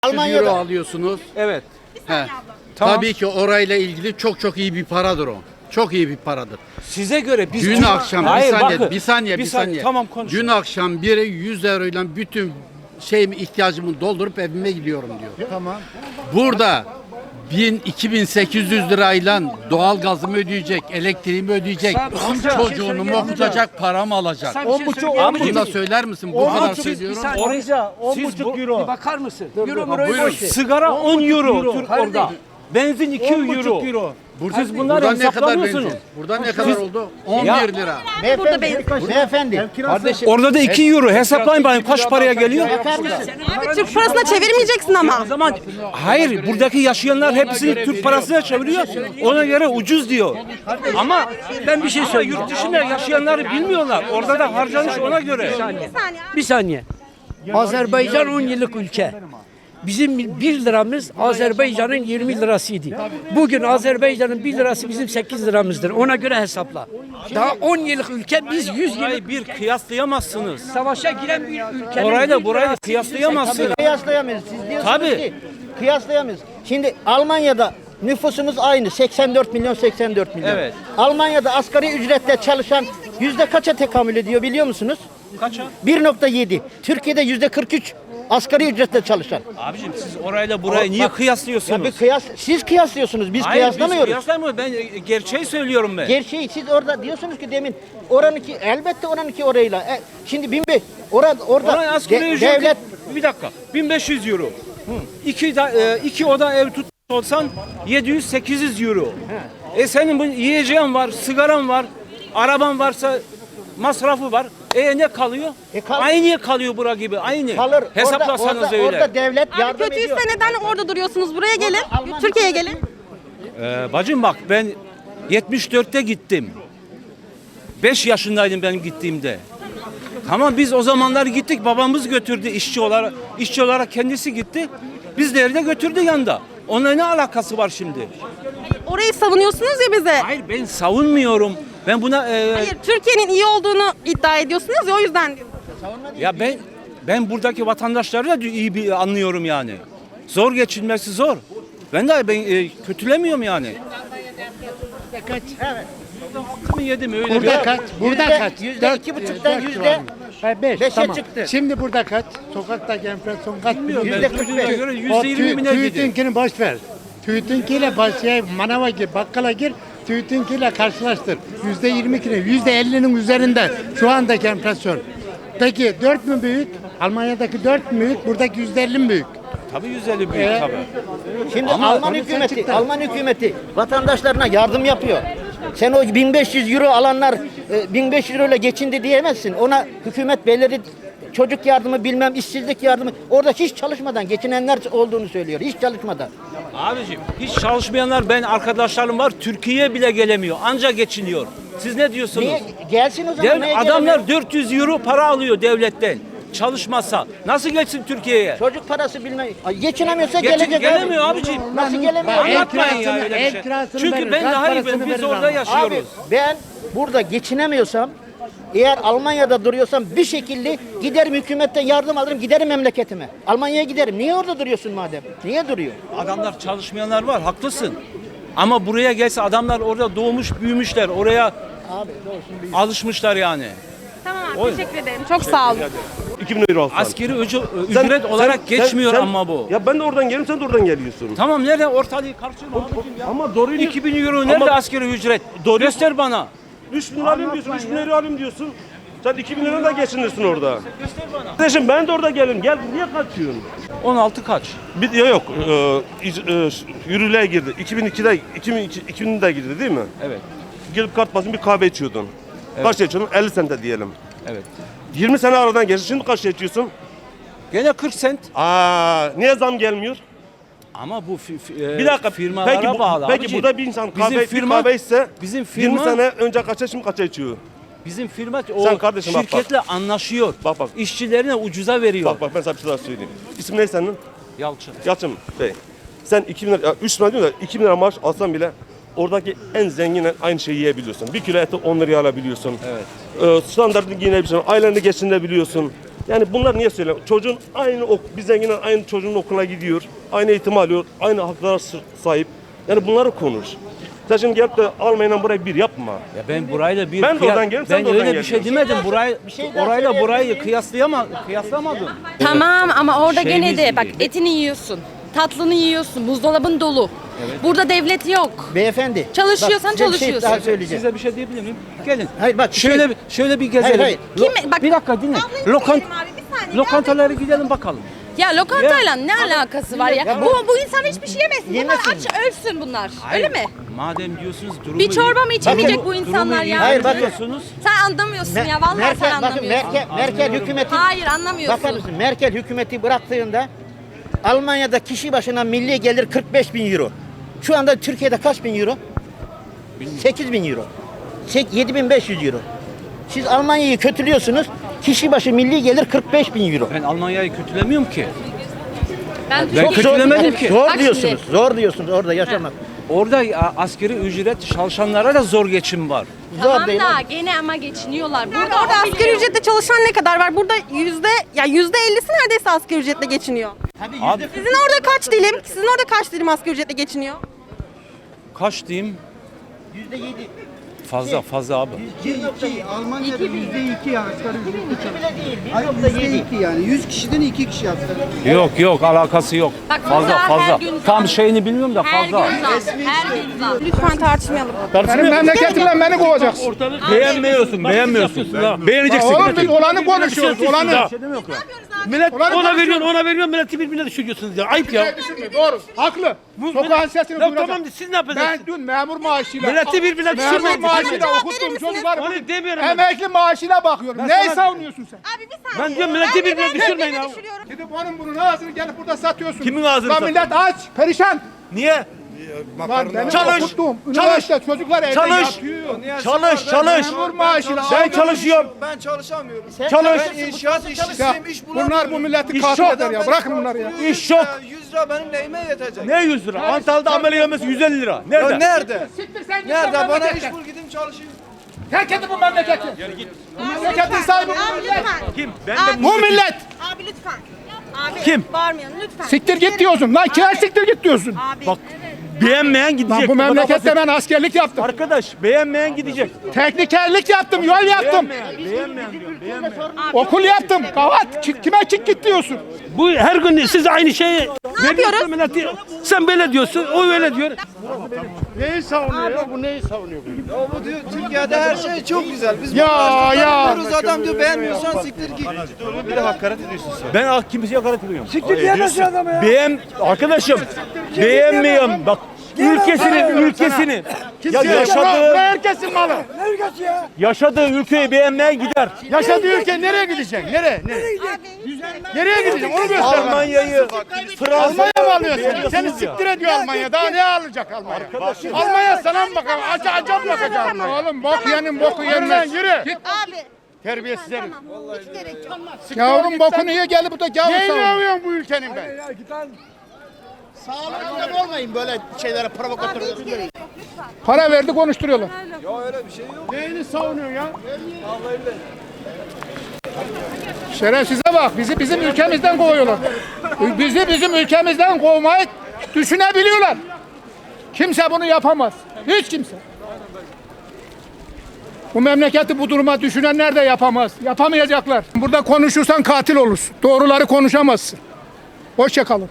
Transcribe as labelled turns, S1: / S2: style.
S1: Almanya'da
S2: euro alıyorsunuz.
S3: Evet.
S2: He.
S3: Tamam.
S2: Tabii ki orayla ilgili çok iyi bir paradır o. Çok iyi bir paradır.
S3: Size göre biz
S2: Dün akşam
S3: Hayır,
S2: bir saniye.
S3: Tamam konuş.
S2: Dün akşam biri 100 euroyla bütün ihtiyacımı doldurup evime gidiyorum diyor.
S1: tamam.
S2: Burada 2800 lirayla doğal gazımı ödeyecek, elektriğimi ödeyecek, çocuğunu mu okutacak, paramı alacak.
S1: 10,5
S2: Bunu da söyler misin? Bu kadar söylüyorum.
S1: Oraya
S3: Siz
S1: 10,5 euro.
S3: Bir bakar mısın?
S2: Buyurun.
S3: Sigara 10 euro Türk
S1: Kardeşim.
S3: orada. Benzin 2
S1: 10,5 euro.
S3: Siz bunları
S2: Burada ne kadar
S3: hesaplamıyorsunuz.
S2: benzin? Burada ne kadar oldu? 11 lira.
S1: Beyefendi.
S3: Kardeşim orada da 2 euro hesaplayın bakayım kaç paraya geliyor?
S4: Abi Türk parasına çevirmeyeceksin ama.
S3: O zaman hayır buradaki yaşayanlar hepsini Türk parasına çeviriyor. Ona göre ucuz diyor. Ama ben bir şey söyleyeyim. Yurt dışında yaşayanları bilmiyorlar. Orada da harcanış ona göre.
S5: Bir saniye. Azerbaycan 10 yıllık ülke. Bizim 1 liramız Azerbaycan'ın 20 lirasıydı. Bugün Azerbaycan'ın 1 lirası bizim 8 liramızdır. Ona göre hesapla. Daha 10 yıllık ülke, biz 100 yıllık
S3: Orayı bir kıyaslayamazsınız.
S5: savaşa giren bir ülke.
S3: Orayla burayı da kıyaslayamazsınız.
S1: Kıyaslayamayız. Siz diyorsunuz
S3: Tabii.
S1: ki kıyaslayamayız. Şimdi Almanya'da nüfusumuz aynı. 84 milyon 84 milyon.
S3: Evet.
S1: Almanya'da asgari ücretle çalışan yüzde kaça tekamül ediyor biliyor musunuz?
S3: Kaça?
S1: 1,7. Türkiye'de yüzde 43 asgari ücretle çalışan.
S3: Abicim siz orayla burayı niye
S1: Bak,
S3: kıyaslıyorsunuz?
S1: Ya bir kıyas, siz kıyaslıyorsunuz. Biz
S3: Hayır,
S1: kıyaslamıyoruz.
S3: Biz kıyaslamıyoruz. Ben gerçeği söylüyorum ben.
S1: Gerçeği siz orada diyorsunuz ki demin oranınki elbette oranınki orayla. Şimdi 1500 orada
S3: Oraya asgari ücret
S1: devlet
S3: bir dakika 1500 euro. İki oda ev tutmuş olsan 700-800 euro. Senin bu yiyeceğin var, sigaran var, araban varsa masrafı var. Ne kalıyor? Aynı kalıyor bura gibi. Aynı.
S1: kalır.
S3: Hesaplasanız
S1: orada,
S3: öyle.
S1: Orada devlet
S4: Abi
S1: yardım
S4: kötüyse
S1: ediyor.
S4: neden orada duruyorsunuz? Buraya gelin. Türkiye'ye gelin.
S3: Bacım bak ben 74'te gittim. 5 yaşındaydım ben gittiğimde. Tamam biz o zamanlar gittik. Babamız götürdü işçi olarak. İşçi olarak kendisi gitti. Bizleri de götürdü yanında. Onunla ne alakası var şimdi?
S4: Orayı savunuyorsunuz ya bize.
S3: Hayır ben savunmuyorum. Ben buna
S4: Hayır, Türkiye'nin iyi olduğunu iddia ediyorsunuz ya, o yüzden diyorum.
S3: ya ben buradaki vatandaşları da iyi bir anlıyorum yani. Zor geçinmesi zor. Ben kötülemiyorum yani. Hakkımı yedim öyle.
S6: Burada kaç? Burada
S1: Yüzde-
S6: kaç?
S1: yüzde
S6: Dört-
S1: 2,5'tan
S6: dört
S1: yüzde
S6: civarında. Beş,
S1: 5'e
S6: tamam.
S1: çıktı.
S6: Şimdi burada kaç? Sokaktaki enflasyon kaç?
S3: Bilmiyorum ben
S1: %45.
S3: duyduğuma göre
S6: O
S3: %20 mi ne dedi?
S6: TÜİT'inkini boş ver. TÜİT'inkiyle manava gir, bakkala gir. TÜİT'inkiyle karşılaştır. %22'nin, %50'nin üzerinde şu andaki enflasyon. Peki 4 mü büyük? Almanya'daki 4 mü büyük? Buradaki %50 mi büyük?
S3: Tabii 150 büyük tabii.
S1: Şimdi
S3: Ama
S1: Alman
S6: konuşan
S1: hükümeti,
S6: çıktı.
S1: Alman hükümeti vatandaşlarına yardım yapıyor. Sen o 1500 euro alanlar 1500 euro ile geçindi diyemezsin. Ona hükümet belirli çocuk yardımı bilmem işsizlik yardımı orada hiç çalışmadan geçinenler olduğunu söylüyor. Hiç çalışmadan.
S3: Abicim hiç çalışmayanlar ben arkadaşlarım var Türkiye'ye bile gelemiyor. Anca geçiniyor. Siz ne diyorsunuz?
S1: Niye gelsin o zaman? Niye
S3: Adamlar
S1: gelemiyor?
S3: 400 euro para alıyor devletten. Çalışmasa nasıl geçsin Türkiye'ye?
S1: Çocuk parası bilmem. Ay, geçinemiyorsa gelecek.
S3: Gelemiyor abicim.
S1: Nasıl gelemiyor?
S3: Anlatmayın ya
S6: kirasını-
S3: öyle bir
S6: ev
S3: şey.
S6: kirasını
S3: Çünkü
S6: verir,
S3: ben
S6: gaz
S3: daha iyi
S6: parasını
S3: biz
S6: verir
S3: orada
S6: ama.
S3: yaşıyoruz.
S1: Abi ben burada geçinemiyorsam eğer Almanya'da duruyorsam bir şekilde giderim hükümetten yardım alırım giderim memleketime. Almanya'ya giderim. Niye orada duruyorsun madem? Niye duruyor?
S3: Adamlar çalışmayanlar var haklısın. Ama buraya gelse adamlar orada doğmuş büyümüşler. Oraya alışmışlar yani.
S4: Tamam abi, teşekkür ederim. Çok sağ olun.
S7: 2000 euro alsan.
S3: Askeri ücret olarak geçmiyor ama bu.
S7: Ya ben de oradan geliyorum, sen de oradan geliyorsun.
S3: Tamam nerede ortalığı karşılıyor abicim ya?
S7: Ama doğru
S3: 2000 euro nerede
S7: Ama-
S3: askeri ücret? Göster bana.
S7: 3000 lira alayım diyorsun, 3000 lira alayım diyorsun. Sen 2000 lira da geçinirsin orada.
S3: Göster bana.
S7: Kardeşim ben de orada gelirim. Gel niye kaçıyorsun?
S3: 16 kaç?
S7: Yok. Yürürlüğe girdi. 2000'de girdi değil mi?
S3: Evet.
S7: Gelip kart basın bir kahve içiyordun. Kaç içiyordun? 50 sente diyelim.
S3: Evet.
S7: 20 sene aradan geçti. Şimdi kaç içiyorsun?
S3: Gene 40 sent.
S7: Niye zam gelmiyor?
S3: Ama bu
S7: Bir dakika.
S3: firmalara bağlı.
S7: Peki
S3: abicim.
S7: burada bir insan
S3: Bizim
S7: bir kahve içse
S3: bizim
S7: 20
S3: firma
S7: sene önce kaça şimdi kaça içiyor?
S3: bizim firma o
S7: Sen kardeşim bak,
S3: şirketle anlaşıyor.
S7: Bak.
S3: İşçilerine ucuza veriyor.
S7: Bak ben sana bir şey daha söyleyeyim. İsim ne senin?
S3: Yalçın.
S7: Yalçın Bey. Sen 2000 lira, 3 lira diyorsun da 2000 lira maaş alsan bile oradaki en zenginle aynı şeyi yiyebiliyorsun. Bir kilo eti 10 liraya alabiliyorsun.
S3: Evet.
S7: Standartını giyinebiliyorsun. Aileni geçinebiliyorsun. Yani bunlar niye söylüyorum? Çocuğun aynı bir zenginin aynı çocuğun okula gidiyor. Aynı eğitim alıyor. Aynı haklara sahip. Yani bunları konuş. Sen şimdi gelip de Almanya'dan burayı bir yapma.
S3: Ya ben burayla bir
S7: Ben de oradan gelirim, sen
S3: ben
S7: de oradan
S3: öyle bir şey
S7: geliyorsun.
S3: demedim. Orayla burayı kıyaslamadım.
S8: Tamam ama orada gene
S3: Şeyimiz
S8: de bak
S3: gibi.
S8: etini yiyorsun. Tatlını yiyorsun. Buzdolabın dolu. Burada devlet yok.
S1: Beyefendi.
S8: Çalışıyorsan
S1: bak, size bir şey
S8: çalışıyorsun.
S1: daha söyleyeceğim.
S3: Size bir şey diyebilir miyim? Gelin.
S1: Hayır bak
S3: Şöyle bir gezelim.
S1: hayır.
S8: Kim- bak-
S3: bir dakika dinle. Lokantalara gidelim bakalım.
S8: Ya lokantayla ne alakası var ya? Bu insan hiçbir şey yemesin. Bunlar
S1: Yemesin.
S8: aç ölsün bunlar. Öyle mi?
S3: Madem diyorsunuz durumu
S8: Bir çorba mı
S3: iyi-
S8: içemeyecek
S3: Durumu-
S8: bu insanlar
S3: durumu iyi
S8: ya?
S1: Hayır, bakın.
S3: diyorsunuz.
S8: Sen anlamıyorsun ya. Vallahi sen anlamıyorsun.
S1: Merkel hükümeti
S8: Hayır anlamıyorsun.
S1: bakar mısın? Merkel hükümeti bıraktığında Almanya'da kişi başına milli gelir 45 bin euro. Şu anda Türkiye'de kaç bin euro? 8 bin euro. 7.500 euro. Siz Almanya'yı kötülüyorsunuz. Kişi başı milli gelir 45 bin euro.
S3: Ben Almanya'yı kötülemiyorum ki.
S8: Ben
S3: Ben
S8: Türkiye-
S3: kötülemedim ki.
S1: Zor
S8: Bak
S1: diyorsunuz.
S8: şimdi.
S1: Zor diyorsunuz orada yaşamak.
S3: Orada asgari ücret çalışanlara da zor geçim var.
S1: Zor
S8: Tamam
S1: değil.
S8: da gene ama geçiniyorlar.
S4: Burada orada asgari ücretle çalışan ne kadar var? Burada %50'si neredeyse asgari ücretle geçiniyor.
S3: Abi
S4: Sizin orada kaç dilim? Sizin orada kaç dilim asgari ücretle geçiniyor?
S3: kaç diyeyim?
S1: %7.
S3: Fazla abi.
S9: Almanya'da %2 ya asgari ücretli
S1: Bile değil.
S9: %2 yani 100 kişiden 2 kişi asgari.
S3: Yok alakası yok.
S8: Bak burada her
S3: Fazla.
S8: gün zam.
S3: Tam şeyini bilmiyorum da
S8: Her
S3: fazla.
S8: gün zam. Her gün zam.
S4: Lütfen tartışmayalım.
S6: Benim memleketimden beni kovacaksın.
S10: Beğenmiyorsun. Beğeneceksin.
S6: Oğlum biz olanı konuşuyoruz. Olanı.
S10: Millet
S6: Olanı
S10: ona
S6: konuşuyoruz.
S10: veriyor, milleti birbirine düşürüyorsunuz ya. Ayıp ya.
S6: Doğru. Haklı. Sokağın sesini
S10: Ya
S6: duyuracak.
S10: tamam siz ne yapacaksınız?
S6: Ben dün memur maaşıyla
S10: Milleti birbirine
S6: memur
S10: düşürmeyin.
S6: maaşıyla
S4: Cevap
S6: okuttuğum
S4: verir misiniz?
S6: çocuklar
S10: Onu demiyorum ben.
S6: emekli maaşıyla bakıyorum. Neyi savunuyorsun sen?
S4: Abi bir saniye.
S10: Ben diyorum milleti birbirine düşürmeyin ya.
S6: Gidip onun bunun ağzını gelip burada satıyorsun.
S10: Kimin ağzını
S6: Lan
S10: satıyorsun?
S6: millet aç, perişan.
S10: Niye?
S6: Lan benim
S10: Çalış,
S6: okuttuğum üniversite çocuklar evde
S10: Çalış.
S6: yatıyor.
S10: Çalış.
S6: Memur maaşıyla
S10: Ben
S6: aldım.
S10: çalışıyorum.
S9: Ben çalışamıyorum.
S10: Çalış.
S9: Ben inşaat işçisiyim, iş bulamıyorum.
S6: Bunlar bu milleti
S10: İş
S6: katil
S10: yok.
S6: eder ya. Bırakın bunları ya.
S10: İş yok.
S9: 100 lira benim neyime yetecek?
S10: Ne 100 lira? Antalya'da amele yemesi 150 lira.
S9: Ya
S10: Nerede?
S9: nerede?
S6: Siktir sen git
S9: Nerede?
S6: lan
S9: Bana
S6: memlekete.
S9: iş bul gideyim çalışayım.
S6: Terk edin bu memleketi. Bu memleketin sahibi bu
S4: Abi
S6: millet.
S4: lütfen.
S10: Kim? Ben de
S6: Bu millet.
S4: Abi lütfen. Abi
S10: Kim?
S4: bağırmayın lütfen.
S6: Siktir git diyorsun. Lan kime siktir git diyorsun.
S4: Abi.
S10: Bak beğenmeyen gidecek.
S6: Lan bu memlekette ben askerlik yaptım.
S10: Arkadaş beğenmeyen gidecek.
S6: Teknikerlik yaptım, yol yaptım.
S10: Beğenmeyen diyorum. Beğenmeyen.
S6: Okul yaptım. Kavat. Kime git diyorsun.
S10: Bu her gün siz aynı şeyi
S4: yapıyoruz?
S10: milleti. Sen böyle diyorsun, o öyle diyor.
S6: Neyi savunuyor ya? Bu neyi savunuyor?
S9: Ya bu diyor Türkiye'de her şey çok güzel. Biz
S6: Ya,
S9: maaşları
S6: ya.
S9: alıyoruz, adam diyor beğenmiyorsan siktir git.
S7: Bir de hakaret ediyorsun sen.
S10: Ben kimseye hakaret ediyorum. Siktir diyemezsin adama ya. Arkadaşım beğenmiyorum. Bak ülkesini. Ya yaşadığı
S6: Herkesin malı.
S10: yaşadığı ülkeyi beğenmeyen gider.
S6: Yaşadığı ülke nereye gidecek? Nereye? Nereye gidecek? Onu göster bana.
S10: Almanya'yı, Fransa'yı
S6: Almanya mı alıyorsun? Seni
S10: beğeniyorsunuz ya.
S6: siktir ediyor Almanya. Daha ne alacak Almanya? Almanya sana mı bakalım? Acayip bakacak. Oğlum bok yenin boku yenmez. Yürü. Git.
S4: Abi.
S6: Terbiyesiz herif.
S4: Hiç gerek yok.
S6: Yavrum bokunu ye gelip burada gavur savunuyor. Neyini övüyorsun bu ülkenin ben? Sağlıklı olmayın böyle şeylere provokatör. Para verdi konuşturuyorlar.
S9: Ya öyle bir şey yok.
S6: Neyini savunuyorsun ya? Şerefsize bak, bizi bizim ülkemizden kovuyorlar. Bizi bizim ülkemizden kovmayı düşünebiliyorlar. Kimse bunu yapamaz. Hiç kimse. Bu memleketi bu duruma düşünenler de yapamaz. Yapamayacaklar. Burada konuşursan katil olursun. Doğruları konuşamazsın. Hoşça kalın.